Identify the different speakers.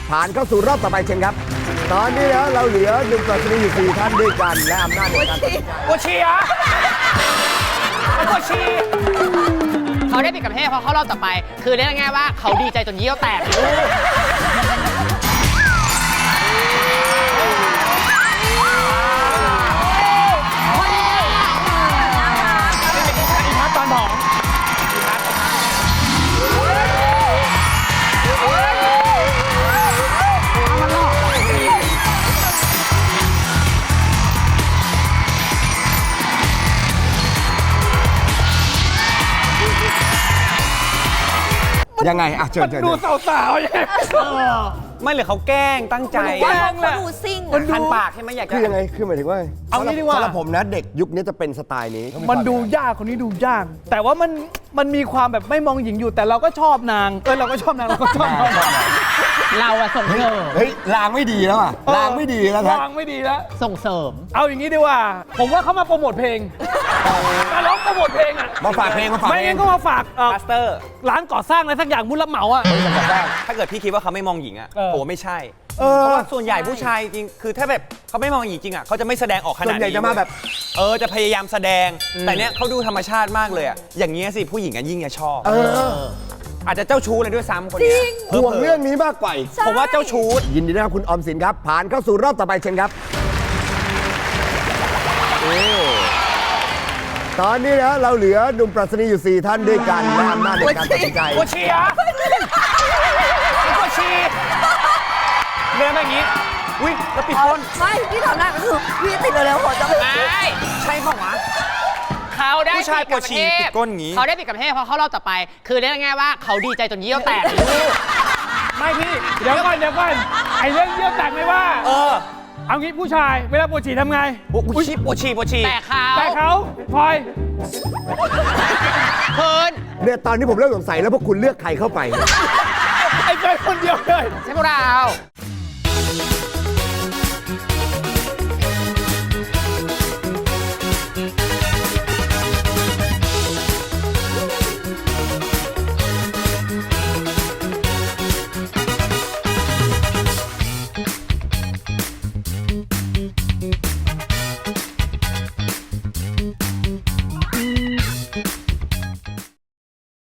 Speaker 1: ผ่านเข้าสู่รอบต่อไปเชิญครับตอนนี้แล้วเราเหลือหนุ่มปรัชนีอยู่4ท่านด้วยกันและอำนาจในการตัดสินใจ
Speaker 2: ปวดฉี่เหรอปวดฉี่
Speaker 3: เขาได้ปิดกับเทพเพราะเขารอบต่อไป คือเรียกง่ายๆว่าเขาดีใจจนเยี่ยวแตก
Speaker 2: อีพัดตอนผอม
Speaker 1: ยังไงอ่ะเชิญ
Speaker 2: ดูสาวๆอย่าง
Speaker 4: ไม่หรือเขาแกล้งตั้งใจ
Speaker 2: แกล้งแหละ
Speaker 5: ดูซิ่ง
Speaker 2: มันดู
Speaker 4: คันปากใช่ไหมอยากจะ
Speaker 1: คือยังไงคือหมายถึงว่า
Speaker 2: เอางี้ดีกว่า
Speaker 1: สำหรับผมนะเด็กยุคนี้จะเป็นสไตล์นี้
Speaker 2: มันดูยากคนนี้ดูยาก แต่ว่ามันมีความแบบไม่มองหญิงอยู่ แต่เราก็ชอบนางเราก็ชอบนางเราก็ชอบนาง
Speaker 3: เราอะส่งเสริม
Speaker 1: เฮ้ยลางไม่ดีแล้วอ่ะลางไม่ดีแล้วครับ
Speaker 2: วางไม่ดีแล้ว
Speaker 3: ส่งเสริม
Speaker 2: เอาอย่างนี้ดีกว่า ผมว่าเขามาโปรโมทเพลงมาร้องโปรโมทเพลงอ่ะ
Speaker 1: มาฝากเพลงมาฝาก
Speaker 2: ไม่
Speaker 1: เพล
Speaker 2: งั้
Speaker 1: ง
Speaker 2: นก็มาฝาก
Speaker 4: มาสเตอร์
Speaker 2: ร้านก่อสร้างอะไรสักอย่างมุรับเหมาอ่ะ
Speaker 4: ถ้าเกิดพี่คิดว่าเขาไม่มองหญิงอ่ะ
Speaker 2: เออ
Speaker 4: ผมว่าไม่ใช่
Speaker 1: เอ
Speaker 4: เพ
Speaker 1: อ
Speaker 4: ราะว่าส่วนใหญ่ผู้ชายจริงคือถ้าแบบเขาไม่มองหญิงจริงอ่ะเขาจะไม่แสดงออกข
Speaker 1: ส่
Speaker 4: นา
Speaker 1: ว
Speaker 4: ด
Speaker 1: นใหญ่
Speaker 4: นี้
Speaker 1: จะมาแบบ
Speaker 4: จะพยายามแสดง แต่เนี้ยเขาดูธรรมชาติมากเลยอ่ะอย่างเงี้ยสิผู้หญิงกันยิ่งจะชอบ อาจจะเจ้าชู้เลยด้วยซ้ำคนเนี้ย
Speaker 1: ห่วงเรื่องนี้มากกว่า
Speaker 4: ผมว่าเจ้าชู้
Speaker 1: ยินดีด้วยครับคุณออมสินครับ ผ่านเข้าสู่รอบต่อไปเชิญครับตอนนี้แล้วเราเหลือหนุ่มปรัชนีอยู่4ท่านด้วยกันและอำนาจในการตัดสินใจ
Speaker 2: ปวดฉี่เหรอปวดฉี่เดินมาอย่างนี้
Speaker 4: อุ้ยแล้วปิดก้น
Speaker 5: ไม่ที่ทำได้ก็คือพี่ติดเร็วๆหัวจะไม่
Speaker 3: ไม่
Speaker 4: ใช่ป่าวะ
Speaker 3: เขาได้
Speaker 4: ผู้ชายปวดฉี่ปิดก้นอย่างงี้
Speaker 3: เขาได้ปิดกับเทพเพราะเขารอบต่อไป คือเรียกง่ายๆว่าเขาดีใจจนเยี่ยวแตก
Speaker 2: ไม่พี่เดี๋ยวก่อนไอ้เรื่องเยี่ยวแตกไม่ว่า เอางี้ผู้ชายเวลาปวดฉี่ทำไง
Speaker 4: ปวดฉี่
Speaker 3: แต่เขา
Speaker 2: แต่เขาพลอย
Speaker 3: เพิน
Speaker 1: เนี่ยตอนนี้ผมเริ่มสงสัยแล้วพวกคุณเลือกใครเข้าไป
Speaker 2: ไอ้เจอคนเดียวเลย
Speaker 3: ใช่พวกเรา